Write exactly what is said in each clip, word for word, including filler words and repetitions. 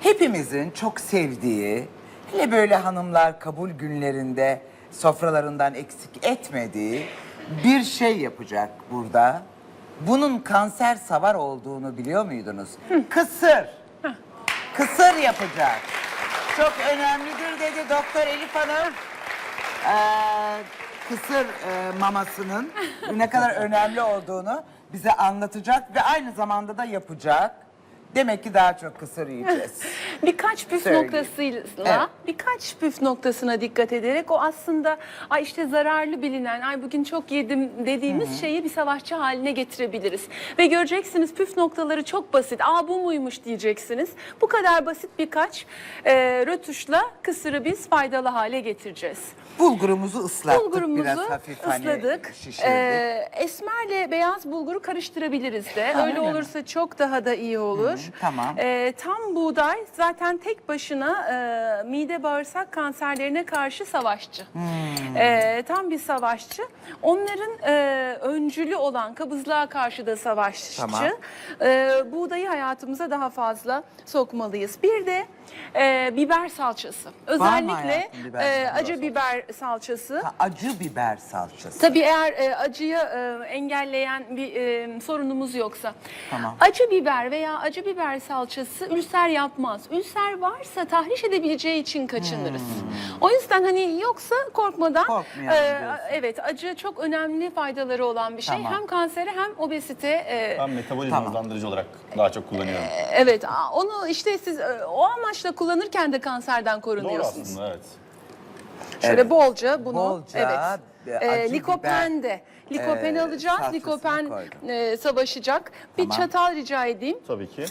hepimizin çok sevdiği, hele böyle hanımlar kabul günlerinde sofralarından eksik etmediği bir şey yapacak burada. Bunun kanser savar olduğunu biliyor muydunuz? Kısır. Kısır yapacak. Çok önemlidir dedi Doktor Elif Hanım. Ee, kısır e, mamasının ne kadar önemli olduğunu bize anlatacak ve aynı zamanda da yapacak. Demek ki daha çok kısır yiyeceğiz. Birkaç püf Söyleyeyim. noktasıyla, Evet. birkaç püf noktasına dikkat ederek o aslında ay işte zararlı bilinen, ay bugün çok yedim dediğimiz Hı -hı. şeyi bir savaşçı haline getirebiliriz. Ve göreceksiniz püf noktaları çok basit. Aa bu muymuş diyeceksiniz. Bu kadar basit birkaç e, rötuşla kısırı biz faydalı hale getireceğiz. Bulgurumuzu ıslattık Bulgurumuzu biraz hafif ısladık. Hani şişirdik. Ee, esmerle beyaz bulguru karıştırabiliriz de. Ha, öyle öyle olursa mi? Çok daha da iyi olur. Hı, tamam. Ee, tam buğday zaten tek başına e, mide bağırsak kanserlerine karşı savaşçı. Hmm. Ee, tam bir savaşçı. Onların e, öncülü olan kabızlığa karşı da savaşçı. Tamam. Ee, buğdayı hayatımıza daha fazla sokmalıyız. Bir de e, biber salçası. Özellikle biber e, salçası? acı biber salçası. Ha, acı biber salçası. Tabii eğer e, acıyı e, engelleyen bir e, sorunumuz yoksa. Tamam. Acı biber veya acı biber salçası ülser yapmaz. Ülser varsa tahriş edebileceği için kaçınırız. Hmm. O yüzden hani yoksa korkmadan e, evet acı çok önemli faydaları olan bir şey. Tamam. Hem kansere hem obezite. E, ben metabolizma tamam. hızlandırıcı olarak daha çok kullanıyorum. E, evet onu işte siz e, o amaçla kullanırken de kanserden korunuyorsunuz. Doğru aslında evet. Şöyle evet. bolca bunu bolca, evet. E, likopen de. Likopen e, alacağız. Likopen e, savaşacak. Bir tamam. çatal rica edeyim. Tabii ki.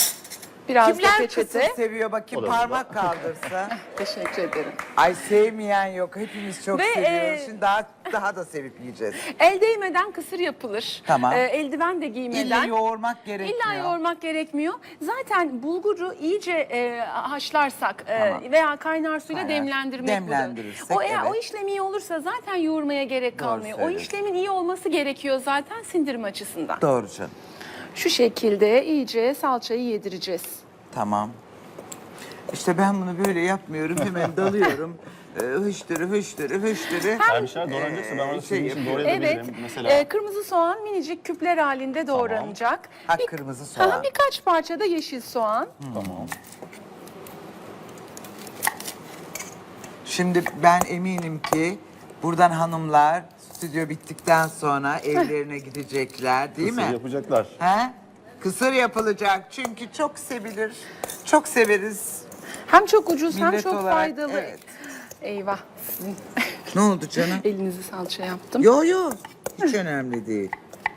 Biraz Kimler da peçete. kısır seviyor bakayım parmak kaldırsa. Teşekkür ederim. Ay sevmeyen yok. Hepimiz çok Ve, seviyoruz. e, Şimdi daha daha da sevip yiyeceğiz. El değmeden kısır yapılır. Tamam. E, eldiven de giymeden. İlla yoğurmak gerekmiyor. İlla yoğurmak gerekmiyor. Zaten bulguru iyice e, haşlarsak tamam. e, veya kaynar suyla Kaynar. demlendirmek Demlendirirsek, o eğer evet. o işlem iyi olursa zaten yoğurmaya gerek Doğru kalmıyor. O söylüyorsun. işlemin iyi olması gerekiyor zaten sindirim açısından. Doğru canım. Şu şekilde iyice salçayı yedireceğiz. Tamam. İşte ben bunu böyle yapmıyorum. Hemen dalıyorum. Hıştırı hıştırı hıştırı. Eğer bir şeyler doğranacaksa ben orada şey sizin için yapıyorum. doğrayabilirim. Evet. Mesela... E, kırmızı soğan minicik küpler halinde doğranacak. Ha, Bir, kırmızı soğan. Aha, birkaç parça da yeşil soğan. Hmm. Tamam. Şimdi ben eminim ki buradan hanımlar stüdyo bittikten sonra evlerine gidecekler değil Kısır mi? yapacaklar. He? Kısır yapılacak çünkü çok sevilir. Çok severiz. Hem çok ucuz hem Millet çok olarak, faydalı. evet. Eyvah. Sizin Ne oldu canım? elinizi salça yaptım. Yo yo. Hiç önemli değil.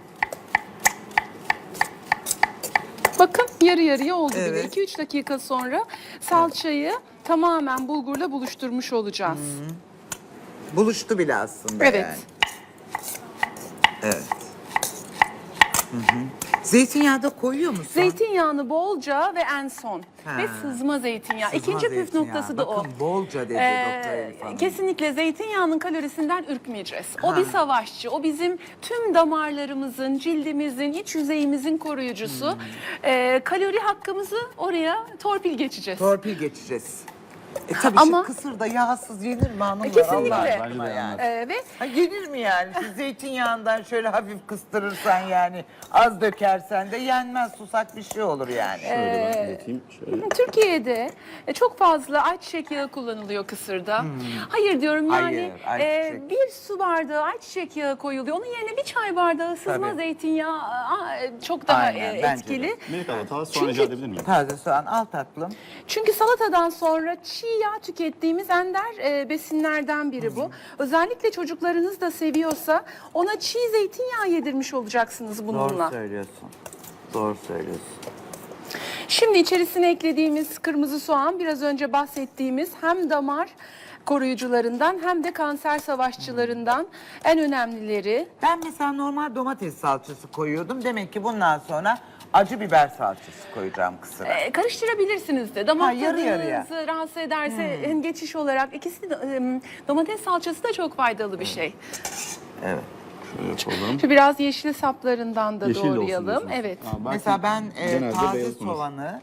Bakın yarı yarıya oldu bile. Evet. iki üç dakika sonra salçayı tamamen bulgurla buluşturmuş olacağız. Hı-hı. Buluştu bile aslında evet. yani. Evet. Hı-hı. Zeytinyağı da koyuyor musun? Zeytinyağını bolca ve en son. Ha. Ve sızma zeytinyağı. Sızma İkinci püf zeytinyağı. noktası da Bakın, o. bolca dedi Ee, Doktor Elif Hanım. Kesinlikle zeytinyağının kalorisinden ürkmeyeceğiz. O Ha. bir savaşçı. O bizim tüm damarlarımızın, cildimizin, iç yüzeyimizin koruyucusu. Hmm. Ee, kalori hakkımızı oraya torpil geçeceğiz. Torpil geçeceğiz. E tabii Ama- şu kısır da yağsız yenir mi hanımlar? Kesinlikle. Allah Bence aşkına de yani. Ee, ve Ha, yenir mi yani? Şu zeytinyağından şöyle hafif kıstırırsan yani az dökersen de yenmez, susak bir şey olur yani. Şöyle ben ileteyim. Şöyle. Türkiye'de e, çok fazla ayçiçek yağı kullanılıyor kısırda. Hayır diyorum yani Hayır, e, ayçiçek. bir su bardağı ayçiçek yağı koyuluyor. Onun yerine bir çay bardağı sızma Tabii. zeytinyağı aa, e, çok daha Aynen, e, bence etkili. de. Melek abla taze soğan Çünkü- rica edebilir miyim? Taze soğan al tatlım. Çünkü salatadan sonra çiğ yağ tükettiğimiz ender e, besinlerden biri bu. Özellikle çocuklarınız da seviyorsa ona çiğ zeytinyağı yedirmiş olacaksınız bununla. Doğru söylüyorsun. Doğru söylüyorsun. Şimdi içerisine eklediğimiz kırmızı soğan biraz önce bahsettiğimiz hem damar koruyucularından hem de kanser savaşçılarından en önemlileri. Ben mesela normal domates salçası koyuyordum. Demek ki bundan sonra acı biber salçası koyacağım kısıra. Ee, karıştırabilirsiniz de. Damak Ha, yarı tadınızı yarıya. rahatsız ederse hem geçiş olarak ikisi de, em, domates salçası da çok faydalı bir şey. Evet. Şöyle yapalım. Şu biraz yeşil saplarından da Yeşil de olsun doğrayalım. diyorsunuz. Evet. Ha, belki Mesela ben e, genelde taze beyaz olur. soğanı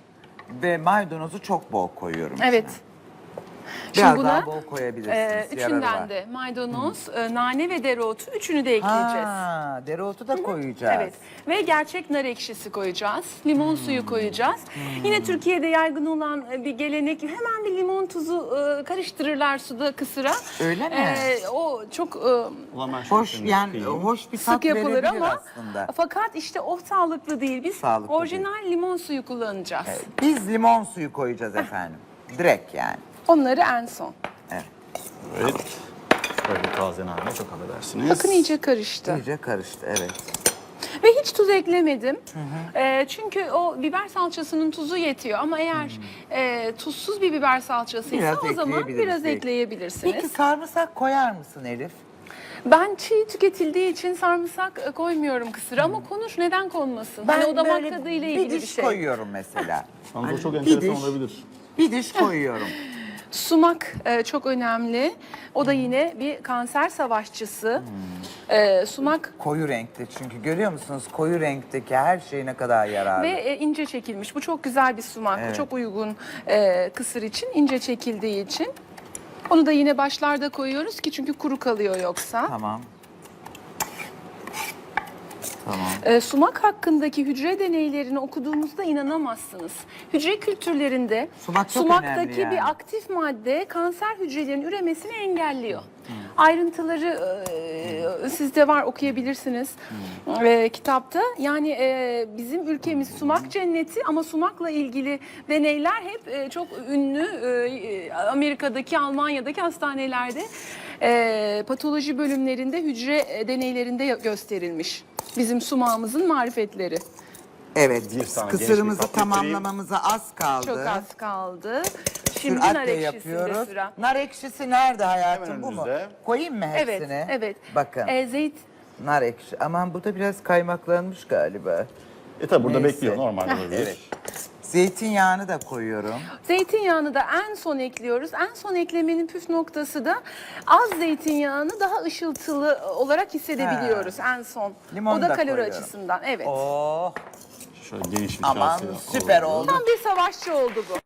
ve maydanozu çok bol koyuyorum. Evet. içine. Şimdi Biraz buna daha bol koyabilirsiniz. e, yararı üçünden var. de maydanoz, e, nane ve dereotu üçünü de ekleyeceğiz. Ha, dereotu da koyacağız. Evet ve gerçek nar ekşisi koyacağız. Limon Hmm. suyu koyacağız. Yine Türkiye'de yaygın olan e, bir gelenek, hemen bir limon tuzu e, karıştırırlar suda kısıra. Öyle mi? E, o çok e, Ulan ben şöyle Hoş şunu yani kıyayım. hoş bir tat sık yapılır verebilir ama aslında. fakat işte o sağlıklı değil. Biz Sağlıklı orijinal limon suyu kullanacağız. Biz limon suyu koyacağız efendim. Direkt yani. Onları en son. Evet. Evet. Böyle taze nane çok affedersiniz. Bakın iyice karıştı. İyice karıştı evet. Ve hiç tuz eklemedim. Ee, çünkü o biber salçasının tuzu yetiyor. Ama eğer e, tuzsuz bir biber salçasıysa Biraz o zaman ekleyebiliriz biraz belki. ekleyebilirsiniz. Peki sarımsak koyar mısın Elif? Ben çiğ tüketildiği için sarımsak e, koymuyorum kısıra ama konuş neden konmasın? hani o damak böyle tadıyla bir ilgili bir diş şey. koyuyorum mesela. Yalnız o Hani çok bir enteresan diş- olabilir. Bir diş koyuyorum. Sumak e, çok önemli. O da yine bir kanser savaşçısı. Hmm. E, sumak Koyu renkte çünkü görüyor musunuz koyu renkteki her şey ne kadar yararlı. ve e, ince çekilmiş. Bu çok güzel bir sumak. Evet. Bu çok uygun e, kısır için, ince çekildiği için. Onu da yine başlarda koyuyoruz ki çünkü kuru kalıyor yoksa. Tamam. Tamam. E, sumak hakkındaki hücre deneylerini okuduğumuzda inanamazsınız. Hücre kültürlerinde Sumak çok sumaktaki önemli yani. bir aktif madde kanser hücrelerin üremesini engelliyor. Hmm. Ayrıntıları e, sizde var, okuyabilirsiniz Hmm. e, kitapta. Yani e, bizim ülkemiz sumak cenneti ama sumakla ilgili deneyler hep e, çok ünlü e, Amerika'daki, Almanya'daki hastanelerde e, patoloji bölümlerinde hücre e, deneylerinde gösterilmiş. Bizim sumağımızın marifetleri. Evet, Bir tane kısırımızı geniş bir tatlı tamamlamamıza az kaldı. Çok az kaldı. Şimdi Süratle nar ekşisinde yapıyoruz. sıra. Nar ekşisi nerede hayatım Hemen bu mu? önünüzde. Koyayım mı Evet, hepsini? evet. Bakın Ee, zeyt, nar ekşi. Aman bu da biraz kaymaklanmış galiba. E tabi burada Neyse. bekliyor normal olabilir. Evet. Zeytinyağını da koyuyorum. zeytinyağını da en son ekliyoruz. En son eklemenin püf noktası da az zeytinyağını daha ışıltılı olarak hissedebiliyoruz en son. Limonu o da da kalori koyuyorum. açısından. Evet. Oh Şöyle geniş bir aman kaseye süper alalım. oldu. Tam bir savaşçı oldu bu.